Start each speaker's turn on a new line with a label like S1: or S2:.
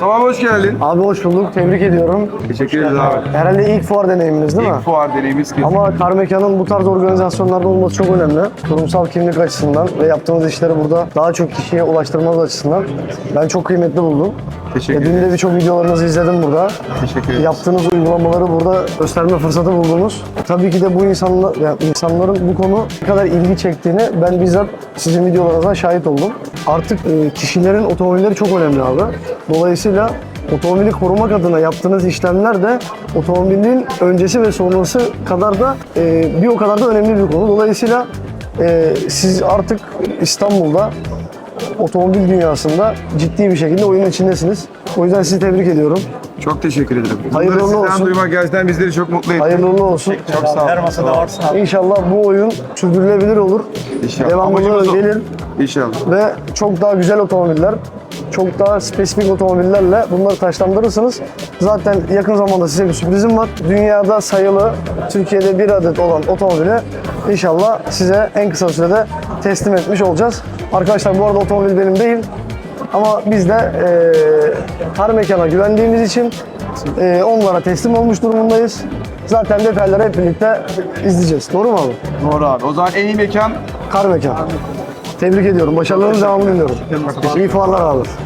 S1: Mustafa abi hoş geldin.
S2: Abi hoş bulduk. Tebrik ediyorum.
S1: Teşekkür ederiz abi.
S2: Herhalde ilk fuar deneyiminiz değil mi?
S1: İlk fuar deneyimiz kesin.
S2: Ama Kar Mekan'ın bu tarz organizasyonlarda olması çok önemli. Kurumsal kimlik açısından ve yaptığınız işleri burada daha çok kişiye ulaştırmanız açısından ben çok kıymetli buldum.
S1: Teşekkür
S2: Dün
S1: ederim.
S2: de birçok videolarınızı izledim burada.
S1: Teşekkür ederiz.
S2: Yaptığınız uygulamaları burada gösterme fırsatı buldunuz. Tabii ki de bu insanların bu konu ne kadar ilgi çektiğini ben bizzat sizin videolarınızdan şahit oldum. Artık kişilerin otomobilleri çok önemli abi. Dolayısıyla otomobili korumak adına yaptığınız işlemler de otomobilin öncesi ve sonrası kadar da bir o kadar da önemli bir konu. Dolayısıyla siz artık İstanbul'da otomobil dünyasında ciddi bir şekilde oyunun içindesiniz. O yüzden sizi tebrik ediyorum.
S1: Çok teşekkür ederim.
S2: Hayırlı
S1: Bunları
S2: uğurlu
S1: sizden
S2: olsun.
S1: duymak gerçekten bizleri çok mutlu etti.
S2: Hayırlı uğurlu olsun.
S1: Çok sağ olun.
S3: Her masada varsa.
S2: İnşallah bu oyun sürdürülebilir olur.
S1: İnşallah.
S2: Devamlı
S1: Amacımız o.
S2: gelir
S1: İnşallah.
S2: ve çok daha güzel otomobiller, çok daha spesifik otomobillerle bunları taşlandırırsınız. Zaten yakın zamanda size bir sürprizim var. Dünyada sayılı, Türkiye'de bir adet olan otomobili inşallah size en kısa sürede teslim etmiş olacağız. Arkadaşlar bu arada otomobil benim değil. Ama biz de Kar Mekan'a güvendiğimiz için onlara teslim olmuş durumundayız. Zaten detayları hep birlikte izleyeceğiz. Doğru mu abi?
S1: Doğru abi. O zaman en iyi mekan
S2: Kar Mekan. Tebrik ediyorum. Başarılarınızın devamını diliyorum. İyi fuarlar abi.